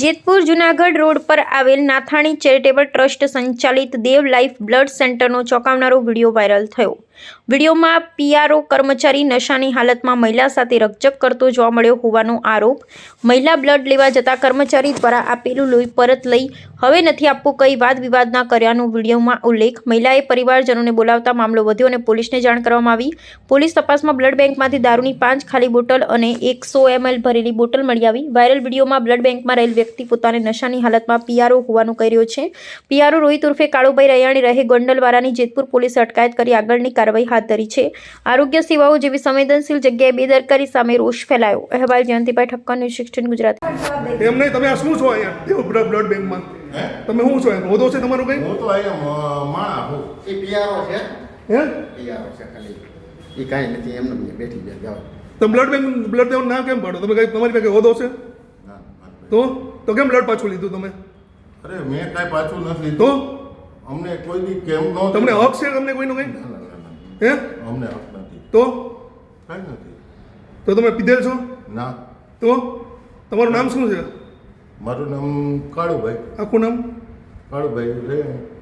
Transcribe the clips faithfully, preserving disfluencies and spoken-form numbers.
Jetpur Junagadh road પર આવેલ Nathani charitable trust સંચાલિત દેવ લાઈફ બ્લડ સેન્ટરનો ચોંકાવનારો વિડીયો વાયરલ થયો। વિડીયોમાં પીઆરઓ કર્મચારી નશાની હાલતમાં મહિલા સાથે રકઝક કરતો જોવા મળ્યો હોવાનો આરોપ। મહિલા બ્લડ લેવા જતા કર્મચારી દ્વારા આપેલું લોહી પરત લઈ હવે નથી આપવું કઈ વાદ વિવાદના કર્યાનો વિડીયોમાં ઉલ્લેખ। મહિલાએ પરિવારજનોને બોલાવતા મામલો વધ્યો અને પોલીસને જાણ કરવામાં આવી। પોલીસ તપાસમાં બ્લડ બેંકમાંથી દારૂની પાંચ ખાલી બોટલ અને એકસો એમએલ ભરેલી બોટલ મળી આવી। વાયરલ વિડીયોમાં બ્લડ બેંકમાં રહેલ વ્યક્તિ પોતાને નશાની હાલતમાં પીઆરઓ હોવાનું કહી રહ્યો છે। પીઆરઓ રોહિત ઉર્ફે કાળુભાઈ રૈયાણી રહે ગોંડલવાળાની જેતપુર પોલીસે અટકાયત કરી આગળની કાર્યવાહી હાથ ધરી છે। આરોગ્ય સેવાઓ જેવી સંવેદનશીલ જગ્યાએ બેદરકારી સામે રોષ ફેલાયો। અહેવાલ જયંતિભાઈ ઠક્કર, ન્યૂઝ સિક્સટીન ગુજરાત। એમ નહીં, તમે આ શું છો અહીંયા દેવ બ્લડ બેંકમાં? તમે શું છો? હોદો છે તમારો કઈ? હું તો અહીંયા માણા હું એ પીઆરઓ છે હે પીઆરઓ છે ખાલી એ કાંઈ નથી એમને બેઠી જાય જાવ તમે બ્લડ બેંક બ્લડ દેવાનું ના કેમ પાડો? તમે કઈ તમારી પાસે હોદો છે ના તો તો કેમ બ્લડ પાછું લીધું તમે? અરે મેં કાંઈ પાછું નથી તો લીધું અમને કોઈ દી કેમ નો તમને હક છે તમને કોઈનો કઈ? હે અમને હક નથી તો કાંઈ નથી તો તમે પીધેલ છો? ના તો તમારું નામ શું છે? મારું નામ કાળુભાઈ આખું નામ? કાળુભાઈ રે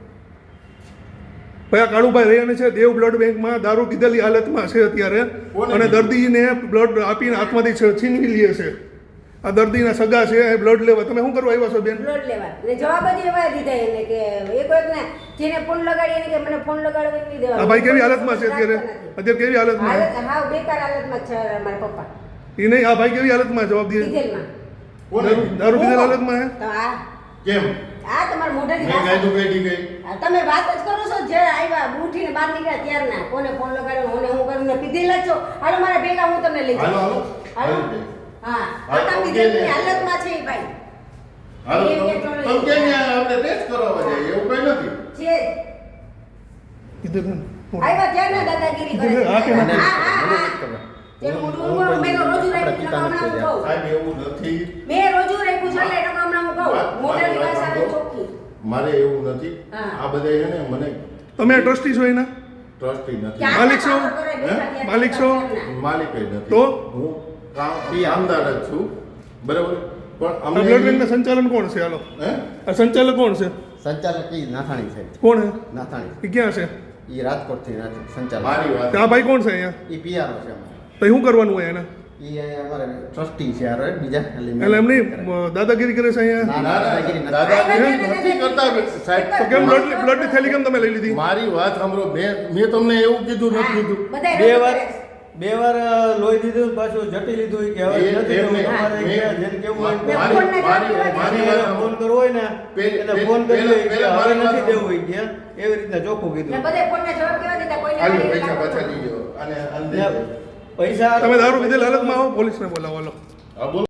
ભાઈ કાળુભાઈ રૈયાણી છે દેવ બ્લડ બેંકમાં દારૂ પીધેલી હાલતમાં છે અત્યારે અને દર્દીને બ્લડ આપીને હાથમાંથી છે- છીનવી લે છે। આ દર્દીના સગા છે એ બ્લડ લેવા તમે શું કરવા આવ્યા છો બેન? બ્લડ લેવા એટલે જવાબ જ એવા દીધા એને કે એક એક ને જેને ફોન લગાડી એને કે મને ફોન લગાડવા નહીં દેવા। આ ભાઈ કેવી હાલતમાં છે અત્યારે? અત્યારે કેવી હાલતમાં? હાલત હા બેકાર હાલતમાં છે મારા પપ્પા એ નહીં, આ ભાઈ કેવી હાલતમાં જવાબ દે? ડીઝલમાં કોને દારૂ દારૂ પીધેલ હાલતમાં હે? તો આ કેમ આ તમારા મોઢાથી મેં વાત- કાંઈ તો કઈ ગઈ આ તમે વાત જ કરો છો જે આવ્યા ઉઠીને બહાર નીકળ્યા ત્યારના કોને ફોન લગાડ્યો કોને હું કરું ને પીધેલા જ છો। હાલો મારા ભેગા હું તમને લઈ હાલો જાઉં। હાલો હાલો હાલો હા હાલો, આ પીધેલી હાલતમાં છે એ ભાઈ હાલો એ કે તમે ટોળે- કેમ અહીંયા આપણે ટેસ્ટ કરાવવા જાય એવું કઈ નથી છે કીધું બેન. આવ્યા ત્યારના દાદાગીરી કરે છે। હા કે હા ના? હા હા જેમ મોઢું ઊંઘવાનું મેં તો રોજુ રાખ્યું છે, હમણાં હું કહું સાહેબ એવું નથી મેં રોજુ રાખ્યું છે એટલે હમણાં હું કહું મોઢાની ભાષા આવે ચોખ્ખી। મારે એવું નથી હા. આ બધા છે ને મને તમે ટ્રસ્ટી છો એના? ટ્રસ્ટી નથી ક્યાં માલિક છો? કામ કરે બેઠા ત્યાં માલિક છો? ત્યારના? માલિક જ નથી તો? હું કામ કામદાર જ છું બરાબર પણ આ બ્લડ અમને બેંકના સંચાલન કોણ છે? હાલો, હે આ સંચાલક કોણ છે? સંચાલક ઈ નાથાણી છે કોણ હે? નાથાણી એ ક્યાં છે? ઈ રાજકોટથી નાથ- સંચાલક મારી વાત આ ભાઈ કોણ છે અહીંયા? ઈ પીઆરઓ છે અમારે તો શું કરવાનું હોય એને? ઈ અહીંયા અમારે ટ્રસ્ટી છે હારો બીજા ખાલી એટલે એમની દાદાગીરી કરે છે અહીંયા? ના, ના, ના, દાદાગીરી નથી. દાદાગીરી નથી કરતા સાહેબ તો કેમ બ્લડ બ્લડની થેલી કેમ તમે લઈ લીધી? મારી વાત સાંભળો મેં મેં તમને એવું કીધું નથી કીધું બધાય બે રોજુ વાર કરે છે। બે વાર લોહી દીધું પાછું જટી લીધું કે હવે એ- નથી એમને- દેવું તમારે મેં- કે જેને કેવું હોય મેં મારી- ફોનને મારી- જવાબ મારી દીધો. વાત એને ફોન કરવો હોય ને પે- એને પે- ફોન કરી પેલા- કે પેલા હવે મારી નથી વાત દેવું હોય કે એવી રીતના ચોખ્ખું ને કીધું બધાય ફોનને જવાબ કેવા દીધા કોઈને હાલો મારી પૈસા લાગતો પાછા નથી। લીધો અને અને ને પૈસા તમે દારૂ પીધેલ હાલતમાં આવો, પોલીસને બોલાવો. હાલો. હા બોલો